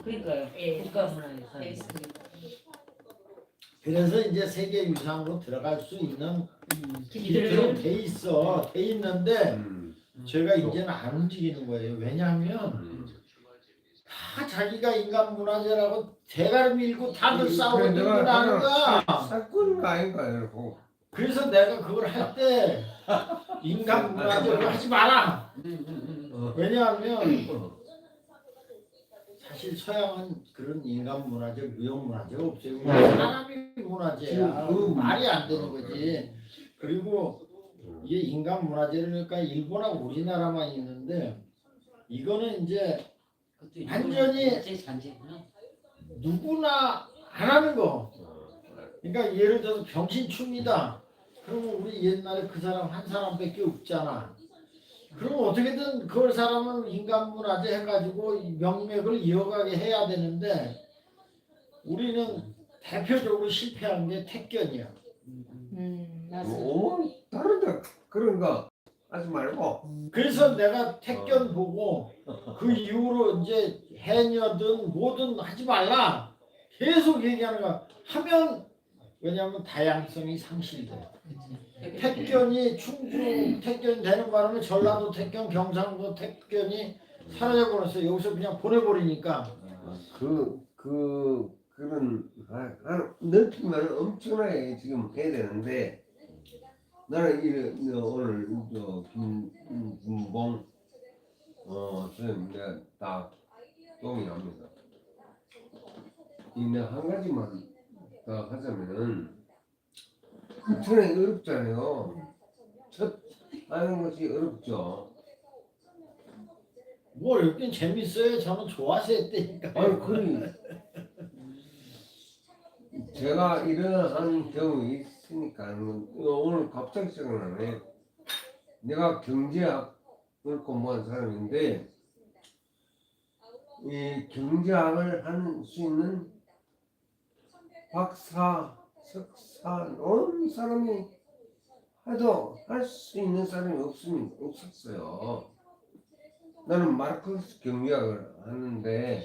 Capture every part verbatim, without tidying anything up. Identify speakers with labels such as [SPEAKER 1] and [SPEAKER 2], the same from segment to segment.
[SPEAKER 1] 그러니까요.
[SPEAKER 2] 예.
[SPEAKER 1] 국가문화유산.
[SPEAKER 2] 돼 있습니다.
[SPEAKER 3] 그래서 이제 세계유산으로 들어갈 수 있는
[SPEAKER 1] 음.
[SPEAKER 3] 기술은 돼 있어. 돼 있는데
[SPEAKER 4] 음.
[SPEAKER 3] 제가 이제는 안 움직이는 거예요. 왜냐하면
[SPEAKER 4] 음.
[SPEAKER 3] 다 자기가 인간문화재라고 대가리 밀고 다들 싸우고
[SPEAKER 4] 그래,
[SPEAKER 3] 들고
[SPEAKER 4] 내가
[SPEAKER 3] 나는 거야.
[SPEAKER 4] 사건가 아닌가 이러고.
[SPEAKER 3] 그래서 내가 그걸 할 때 인간문화재로 하지 마라.
[SPEAKER 1] 음, 음, 음.
[SPEAKER 4] 어.
[SPEAKER 3] 왜냐하면 사실 서양은 그런 인간문화재, 무형문화재가 없어요. 우리 사람이 문화재야.
[SPEAKER 4] 음.
[SPEAKER 3] 말이 안 되는 거지. 그리고 이게 인간문화재를 그러니까 일본하고 우리나라만 있는데 이거는 이제
[SPEAKER 1] 그것도
[SPEAKER 3] 완전히
[SPEAKER 1] 제 잔재구나.
[SPEAKER 3] 누구나 안 하는 거. 그러니까 예를 들어서 병신충이다. 그러면 우리 옛날에 그 사람 한 사람밖에 없잖아. 그럼 어떻게든 그 사람은 인간문화재 해가지고 명맥을 이어가게 해야 되는데 우리는 대표적으로 실패한 게 택견이야.
[SPEAKER 1] 음, 음.
[SPEAKER 2] 음, 맞아.
[SPEAKER 4] 뭐 다른데 그런 거 하지 말고.
[SPEAKER 3] 그래서 내가 택견 보고 그 이후로 이제 해녀든 뭐든 하지 말라 계속 얘기하는 거야. 하면 왜냐하면 다양성이 상실돼. 택견이 충주 택견이 되는 바람에 전라도 택견, 경상도 택견이 사라져 버렸어. 여기서 그냥 보내버리니까.
[SPEAKER 4] 그, 그, 그런, 아, 아, 넓히면 엄청나게 지금 해야 되는데, 나는 이, 오늘, 저, 김, 김봉, 어, 선생님, 내가 다 동의합니다. 이, 내가 한 가지만 더 하자면은, 엄청나게 어렵잖아요. 첫 하는 것이 어렵죠.
[SPEAKER 3] 뭐 어렵긴 재밌어요. 저는 좋아서 했다니까.
[SPEAKER 4] 아니, 그래. 제가 이러한 경험이 있으니까 오늘 갑자기 생각나네. 내가 경제학을 공부한 사람인데 이 경제학을 할 수 있는 박사, 석사, 온 사람이 해도 할 수 있는 사람이 없으면 없었어요. 나는 마르크스 경제학을 하는데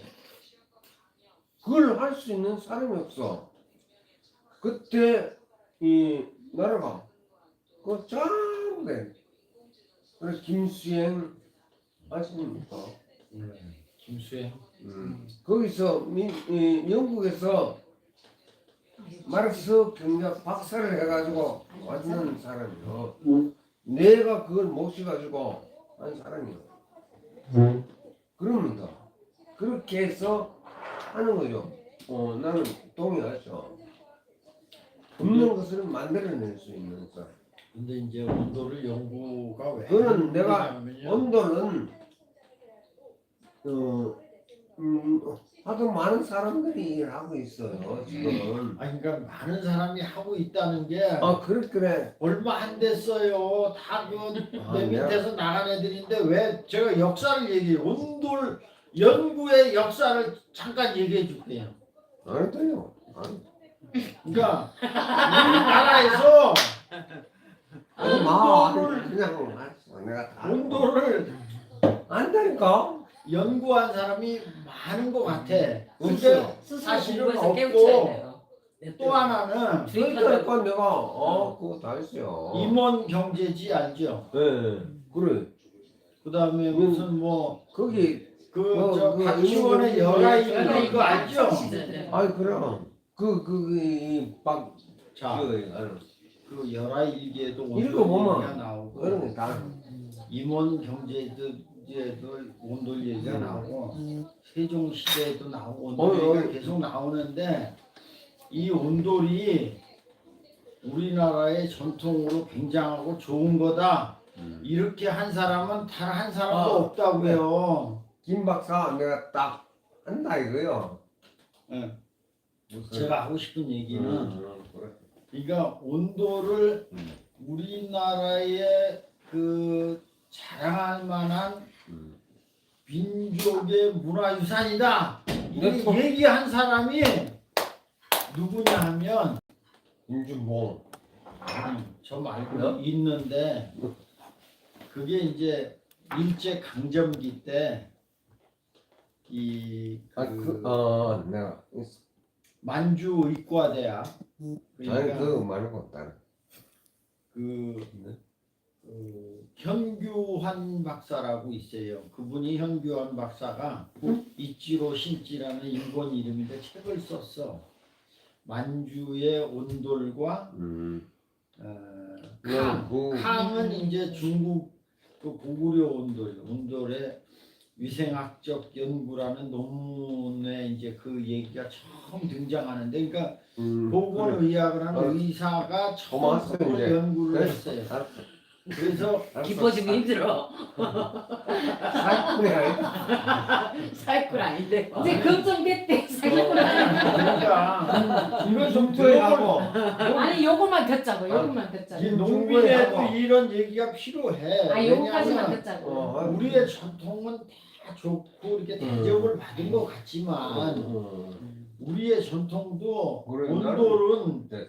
[SPEAKER 4] 그걸 할 수 있는 사람이 없어. 그때 이 나라가 그 전부 돼. 그래서 김수행 아십니까?
[SPEAKER 3] 음, 김수행.
[SPEAKER 4] 음. 거기서 미, 이, 영국에서 마르크스 경제학 박사를 해가지고 왔는 사람이요. 내가 그걸 모셔가지고 한 사람이요. 그럽니다. 그렇게 해서 하는 거죠. 어, 나는 동의하죠. 없는 것을 만들어낼 수 있는 사람.
[SPEAKER 3] 근데 이제 온도를 연구가 왜?
[SPEAKER 4] 그거는 내가
[SPEAKER 3] 하느냐면요.
[SPEAKER 4] 온도는 어, 음, 하도 많은 사람들이 일을 하고 있어요 지금.
[SPEAKER 3] 아니 그러니까 많은 사람이 하고 있다는 게
[SPEAKER 4] 아 그래 그래.
[SPEAKER 3] 얼마 안 됐어요. 다 그
[SPEAKER 4] 아,
[SPEAKER 3] 내
[SPEAKER 4] 내가-
[SPEAKER 3] 밑에서 나간 애들인데 왜 제가 역사를 얘기해? 온돌 연구의 역사를 잠깐 얘기해 줄게요.
[SPEAKER 4] 안 돼요. 안.
[SPEAKER 3] 그러니까 우리나라에서
[SPEAKER 4] 아니 마
[SPEAKER 3] 온도를
[SPEAKER 4] 그냥 알았어. 내가 다
[SPEAKER 3] 온도를
[SPEAKER 4] 안다니까.
[SPEAKER 3] 연구한 사람이 많은 것 같아. 근데
[SPEAKER 4] 없어요.
[SPEAKER 2] 스스로
[SPEAKER 3] 사실은
[SPEAKER 2] 공부해서 깨우쳐야
[SPEAKER 3] 없고
[SPEAKER 2] 돼요.
[SPEAKER 3] 또 하나는
[SPEAKER 4] 그러니까 내가 어 그거 다 했어요.
[SPEAKER 3] 임원 경제지 알죠?
[SPEAKER 4] 네 그래.
[SPEAKER 3] 그다음에
[SPEAKER 4] 음.
[SPEAKER 3] 무슨 뭐
[SPEAKER 4] 거기
[SPEAKER 3] 그
[SPEAKER 4] 뭐,
[SPEAKER 3] 저
[SPEAKER 4] 그
[SPEAKER 3] 박지원의
[SPEAKER 4] 임원
[SPEAKER 3] 열아이
[SPEAKER 4] 경제
[SPEAKER 3] 그거 알죠?
[SPEAKER 4] 아이 그럼 그그이박
[SPEAKER 3] 자,
[SPEAKER 4] 기어가는
[SPEAKER 3] 그 열아이 일기에도 온돌
[SPEAKER 4] 읽어보면
[SPEAKER 3] 얘기가 나오고
[SPEAKER 4] 그런 게 다.
[SPEAKER 3] 임원 경제에도 온돌 얘기가 나오고 세종 시대에도 나오고 온돌
[SPEAKER 4] 어,
[SPEAKER 3] 얘기가
[SPEAKER 4] 어.
[SPEAKER 3] 계속 나오는데 이 온돌이 우리나라의 전통으로 굉장하고 좋은 거다. 이렇게 한 사람은 단 한 사람도
[SPEAKER 4] 아,
[SPEAKER 3] 없다고요.
[SPEAKER 4] 김 박사 내가 딱 한다 이거요.
[SPEAKER 3] 예.
[SPEAKER 4] 무슨-
[SPEAKER 3] 제가 하고 싶은 얘기는
[SPEAKER 4] 음, 그래.
[SPEAKER 3] 그러니까 온도를
[SPEAKER 4] 음.
[SPEAKER 3] 우리나라의 그 자랑할 만한
[SPEAKER 4] 음.
[SPEAKER 3] 민족의 문화유산이다. 이
[SPEAKER 4] 네, 또-
[SPEAKER 3] 얘기한 사람이 누구냐 하면
[SPEAKER 4] 임준봉.
[SPEAKER 3] 음, 저 말고
[SPEAKER 4] 어?
[SPEAKER 3] 있는데 그게 이제 일제 강점기 때 이
[SPEAKER 4] 아,
[SPEAKER 3] 그
[SPEAKER 4] 그, 어, 내가.
[SPEAKER 3] 만주 의과대학
[SPEAKER 4] 아니,
[SPEAKER 3] 그러니까
[SPEAKER 4] 그거 말고 다른.
[SPEAKER 3] 그,
[SPEAKER 4] 네.
[SPEAKER 3] 그 현규환 박사라고 있어요. 그분이 현규환 박사가 이치로 신지라는 일본 이름인데 책을 썼어. 만주의 온돌과
[SPEAKER 4] 음.
[SPEAKER 3] 어,
[SPEAKER 4] 네,
[SPEAKER 3] 캉.
[SPEAKER 4] 그-
[SPEAKER 3] 캉은 이제 중국 그 고구려 온돌, 온돌의 위생학적 연구라는 논문에 이제 그 얘기가 처음 등장하는데, 그러니까
[SPEAKER 4] 음, 그래.
[SPEAKER 3] 보건의학을 하는
[SPEAKER 4] 어.
[SPEAKER 3] 의사가
[SPEAKER 4] 고마웠어요,
[SPEAKER 3] 처음으로
[SPEAKER 4] 이제.
[SPEAKER 3] 연구를
[SPEAKER 4] 그래.
[SPEAKER 3] 했어요.
[SPEAKER 4] 알았어.
[SPEAKER 3] 그래서
[SPEAKER 4] 알았어.
[SPEAKER 1] 기뻐지기 힘들어.
[SPEAKER 4] 사건이 아니다.
[SPEAKER 2] 사기꾼 아닌데.
[SPEAKER 5] 이제 걱정됐대. 사기꾼
[SPEAKER 3] 그러니까 이거 좀
[SPEAKER 4] 중국에
[SPEAKER 3] 들어보고
[SPEAKER 5] 아니 요것만 듣자고. 요것만
[SPEAKER 3] 이
[SPEAKER 5] 듣자고.
[SPEAKER 3] 농민에도 이런 얘기가 필요해.
[SPEAKER 5] 아 요거까지만
[SPEAKER 3] 왜냐하면
[SPEAKER 5] 듣자고.
[SPEAKER 4] 어,
[SPEAKER 3] 우리의 전통은 다 좋고 이렇게 대접을 받은 것 같지만
[SPEAKER 4] 음.
[SPEAKER 3] 우리의 전통도
[SPEAKER 4] 그래,
[SPEAKER 3] 온돌은
[SPEAKER 4] 네.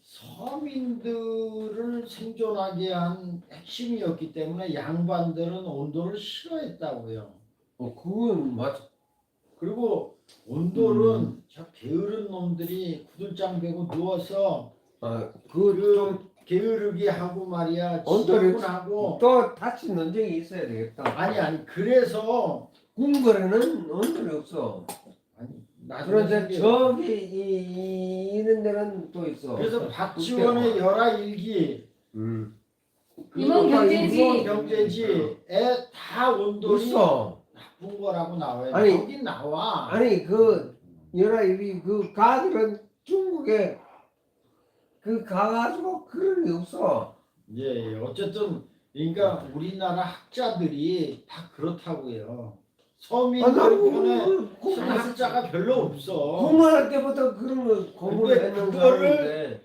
[SPEAKER 3] 서민들을 생존하게 한 핵심이었기 때문에 양반들은 온돌을 싫어했다고요.
[SPEAKER 4] 어, 그건 맞아.
[SPEAKER 3] 그리고 온돌은
[SPEAKER 4] 음.
[SPEAKER 3] 저 게으른 놈들이 구들장 베고 누워서
[SPEAKER 4] 아,
[SPEAKER 3] 그
[SPEAKER 4] 그,
[SPEAKER 3] 게으르게 하고 말이야
[SPEAKER 4] 온돌이
[SPEAKER 3] 지저분하고
[SPEAKER 4] 또 다치 논쟁이 있어야 되겠다.
[SPEAKER 3] 아니 아니 그래서
[SPEAKER 4] 궁궐에는 언들이 없어.
[SPEAKER 3] 아니 나중에
[SPEAKER 4] 그런데
[SPEAKER 3] 생겨.
[SPEAKER 4] 저기 이, 이, 이런 데는 또 있어.
[SPEAKER 3] 그래서 박지원의 열하일기
[SPEAKER 4] 음.
[SPEAKER 5] 임원 경제지.
[SPEAKER 3] 임원 경제지에 다 온돌이
[SPEAKER 4] 있어.
[SPEAKER 3] 나쁜 거라고 나와요.
[SPEAKER 4] 아니,
[SPEAKER 3] 여기 나와.
[SPEAKER 4] 아니 그 여라 이그 가들은 중국에 그 가가지고 그런 게 없어.
[SPEAKER 3] 예, 예. 어쨌든 그러니까 우리나라 학자들이 다 그렇다고요.
[SPEAKER 4] 아,
[SPEAKER 3] 서민들
[SPEAKER 4] 나는
[SPEAKER 3] 편에
[SPEAKER 4] 그- 그-
[SPEAKER 3] 쓴 학자가 별로 없어.
[SPEAKER 4] 공부할 때부터 그런 거 공부를
[SPEAKER 3] 근데
[SPEAKER 4] 했는
[SPEAKER 3] 그거를
[SPEAKER 4] 사람인데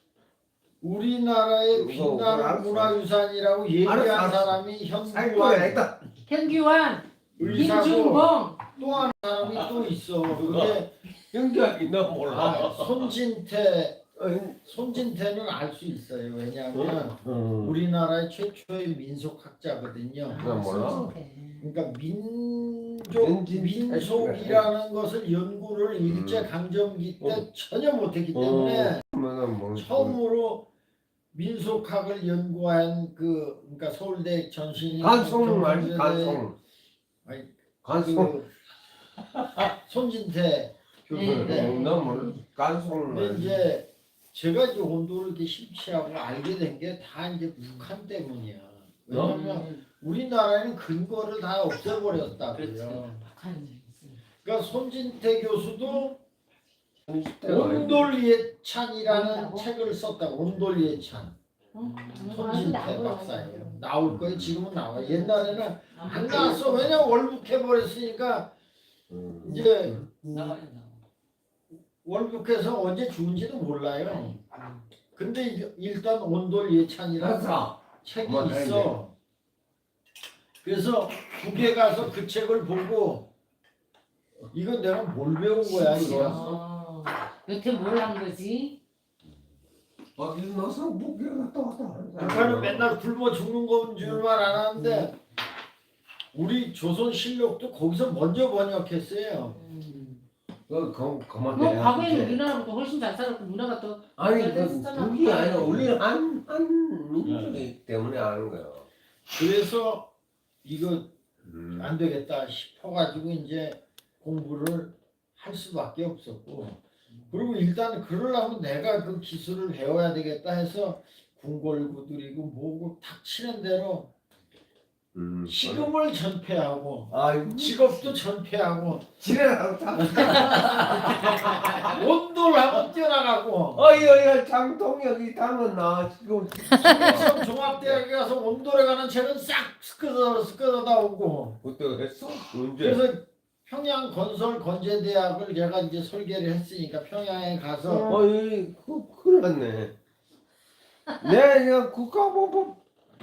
[SPEAKER 3] 우리나라의
[SPEAKER 4] 그거 그걸
[SPEAKER 3] 빛나는
[SPEAKER 4] 알았어.
[SPEAKER 3] 문화유산이라고 얘기한
[SPEAKER 4] 알았어, 알았어.
[SPEAKER 3] 사람이
[SPEAKER 4] 살 거야
[SPEAKER 3] 현규환
[SPEAKER 4] 있다.
[SPEAKER 5] 현규환,
[SPEAKER 3] 의사고
[SPEAKER 5] 김준봉.
[SPEAKER 3] 또 한 사람이 또 있어. 그게
[SPEAKER 4] 연기하기 나
[SPEAKER 3] 아,
[SPEAKER 4] 몰라.
[SPEAKER 3] 손진태.
[SPEAKER 4] 어,
[SPEAKER 3] 손진태는 알 수 있어요. 왜냐하면
[SPEAKER 4] 음.
[SPEAKER 3] 우리나라의 최초의 민속학자거든요.
[SPEAKER 4] 나 몰라.
[SPEAKER 5] 손진태.
[SPEAKER 3] 그러니까 민족
[SPEAKER 4] 민진-
[SPEAKER 3] 민속이라는 것을 연구를
[SPEAKER 4] 음.
[SPEAKER 3] 일제 강점기 때
[SPEAKER 4] 어.
[SPEAKER 3] 전혀 못했기 때문에
[SPEAKER 4] 그러면은 뭐
[SPEAKER 3] 처음으로 민속학을 연구한 그 그러니까 서울대 전신이
[SPEAKER 4] 간송 말지 간송.
[SPEAKER 3] 아니,
[SPEAKER 4] 간송.
[SPEAKER 3] 그 손진태 교수인데
[SPEAKER 4] 어, 나 몰라. 간송
[SPEAKER 3] 근데
[SPEAKER 4] 말지.
[SPEAKER 3] 이제 제가 이제 온도를 이렇게 심취하고 알게 된 게 다 이제 북한 때문이야. 왜냐면
[SPEAKER 1] 음.
[SPEAKER 3] 우리나라에는 근거를 다 없애버렸다고요.
[SPEAKER 1] 그렇죠.
[SPEAKER 5] 북한.
[SPEAKER 3] 그러니까 손진태 교수도
[SPEAKER 4] 손짓대가
[SPEAKER 3] 온돌 예찬이라는
[SPEAKER 5] 뭐라고?
[SPEAKER 3] 책을 썼다. 온돌 예찬.
[SPEAKER 5] 어?
[SPEAKER 3] 손진태 박사예요. 나올 거예요. 지금은 나와. 옛날에는 안 나왔어. 왜냐 월북해 버렸으니까
[SPEAKER 4] 음.
[SPEAKER 3] 이제
[SPEAKER 1] 나와요 나와.
[SPEAKER 3] 월북해서 언제 죽은지도 몰라요. 근데 이제 일단 온돌 예찬이라는
[SPEAKER 4] 알았어.
[SPEAKER 3] 책이
[SPEAKER 4] 그만
[SPEAKER 3] 있어. 그래서 북에 가서 그 책을 보고 이거 내가 뭘 배운 거야 이거.
[SPEAKER 5] 어. 여태 뭘 한 거지?
[SPEAKER 4] 어디 넣어서 목에 갔다 왔다.
[SPEAKER 3] 북한은 맨날 굶어 죽는 건 줄만 알았는데 우리 조선실록도 거기서 먼저 번역했어요.
[SPEAKER 4] 그 그- 그만
[SPEAKER 5] 뭐
[SPEAKER 4] 내야
[SPEAKER 5] 과거에는
[SPEAKER 4] 돼.
[SPEAKER 5] 우리나라보다 훨씬 잘 살았고 문화가 더
[SPEAKER 4] 아니
[SPEAKER 5] 잘
[SPEAKER 4] 그
[SPEAKER 5] 됐었잖아.
[SPEAKER 4] 그게 아니라 우리는 한, 한 민족이기 때문에 아는 거야.
[SPEAKER 3] 그래서 이거
[SPEAKER 4] 음.
[SPEAKER 3] 안 되겠다 싶어가지고 이제 공부를 할 수밖에 없었고 그리고 일단 그러려면 내가 그 기술을 배워야 되겠다 해서 궁궐구들이고 뭐고 닥치는 대로
[SPEAKER 4] 음.
[SPEAKER 3] 식음을 전폐하고
[SPEAKER 4] 아이고
[SPEAKER 3] 직업도 전폐하고
[SPEAKER 4] 지랄하고 다.
[SPEAKER 3] 온돌하고 뛰어나가고
[SPEAKER 4] 어이 어이 장동혁이 닮았나 지금.
[SPEAKER 3] 그래서 종합대학에 가서 온돌에 가는 책은 싹 스끄러 스끄러다 오고
[SPEAKER 4] 그때 했어? 언제?
[SPEAKER 3] 그래서 평양 건설 건재대학을 제가 이제 설계를 했으니까 평양에 가서
[SPEAKER 4] 어이 그 큰일 났네. 내가 국가보고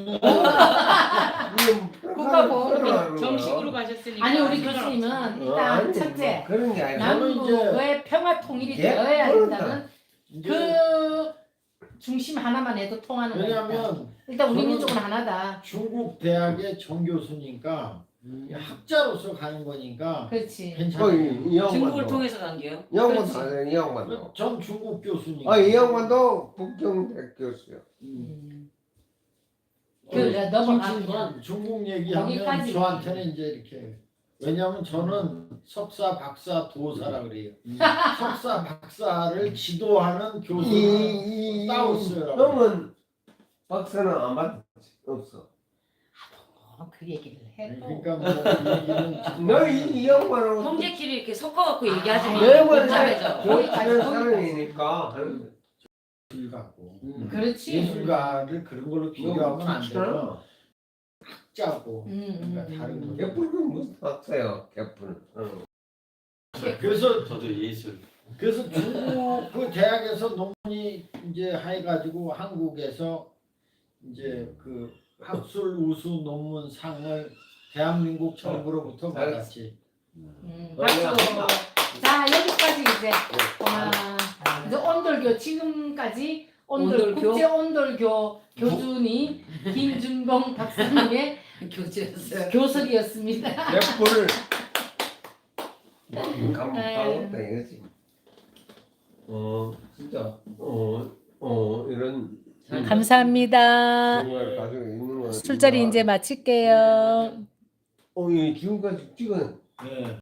[SPEAKER 2] 국가보험 정식으로 가셨으니까.
[SPEAKER 5] 아니 우리 교수님은 일단 첫째
[SPEAKER 4] 그런 게 아니라
[SPEAKER 3] 저는 이제
[SPEAKER 5] 남북의 평화 통일이
[SPEAKER 4] 예?
[SPEAKER 5] 되어야 된다는
[SPEAKER 3] 이제
[SPEAKER 5] 그 중심 하나만 해도 통하는 거니까.
[SPEAKER 3] 왜냐하면
[SPEAKER 5] 일단 우리
[SPEAKER 3] 저는
[SPEAKER 5] 민족은 하나다.
[SPEAKER 3] 중국 대학의 정 교수니까
[SPEAKER 1] 음.
[SPEAKER 3] 학자로서 가는 거니까
[SPEAKER 5] 그렇지.
[SPEAKER 4] 어,
[SPEAKER 3] 괜찮아요.
[SPEAKER 4] 이, 이
[SPEAKER 2] 중국을
[SPEAKER 4] 양반도
[SPEAKER 2] 통해서 간 게요?
[SPEAKER 4] 이 양반도
[SPEAKER 5] 그렇지.
[SPEAKER 4] 알아요, 이 양반도.
[SPEAKER 3] 전 중국 교수님.
[SPEAKER 4] 아, 이 양반도 북경대 교수요.
[SPEAKER 3] 음.
[SPEAKER 5] 그 넘어가면
[SPEAKER 3] 중국, 중국 얘기하면
[SPEAKER 5] 거기까지.
[SPEAKER 3] 저한테는 이제 이렇게 왜냐하면 저는 석사, 박사, 도사라 그래요.
[SPEAKER 1] 음.
[SPEAKER 3] 석사, 박사를 지도하는 교수는
[SPEAKER 4] 이, 이,
[SPEAKER 3] 따오스라고.
[SPEAKER 4] 형은 박사는 안 받, 없어.
[SPEAKER 5] 어, 그 얘기를 해. 또.
[SPEAKER 3] 그러니까 뭐 얘기는
[SPEAKER 4] 너이 이 양반하고
[SPEAKER 2] 형제끼리 이렇게 섞어갖고 얘기하지 마.
[SPEAKER 4] 내 말은
[SPEAKER 2] 복잡해져.
[SPEAKER 4] 교육하는 사람이니까.
[SPEAKER 3] 예술 갖고
[SPEAKER 1] 음.
[SPEAKER 5] 그렇지.
[SPEAKER 3] 예술가를 그런 걸로 비교하면 안 되고 학자고
[SPEAKER 5] 음,
[SPEAKER 3] 그러니까
[SPEAKER 5] 음,
[SPEAKER 3] 다른
[SPEAKER 5] 음.
[SPEAKER 3] 거.
[SPEAKER 4] 개뿔은 무슨 학사요, 개뿔은. 응.
[SPEAKER 3] 그래서
[SPEAKER 1] 저도 예술.
[SPEAKER 3] 그래서 중국 그 대학에서 논문이 이제 해가지고 한국에서 이제 그 학술 우수 논문 상을 대한민국 정부로부터 받았지.
[SPEAKER 5] 음,
[SPEAKER 4] 어,
[SPEAKER 5] 박수.
[SPEAKER 4] 야.
[SPEAKER 5] 자 여기까지 이제
[SPEAKER 3] 네.
[SPEAKER 5] 와, 이제 온돌교 지금까지 온돌
[SPEAKER 2] 온돌교?
[SPEAKER 5] 국제 온돌교 교주님 김준봉 박사님의
[SPEAKER 2] 교체였어요.
[SPEAKER 5] 교설이었습니다.
[SPEAKER 4] 개뿔을
[SPEAKER 5] 네.
[SPEAKER 4] 감사하다 이거지. 어, 진짜. 어, 어, 이런.
[SPEAKER 5] 감사합니다.
[SPEAKER 4] 정말 가지고 있는 거.
[SPEAKER 5] 술자리 이제 마칠게요.
[SPEAKER 4] 어, 이 지금까지 찍은
[SPEAKER 3] 네.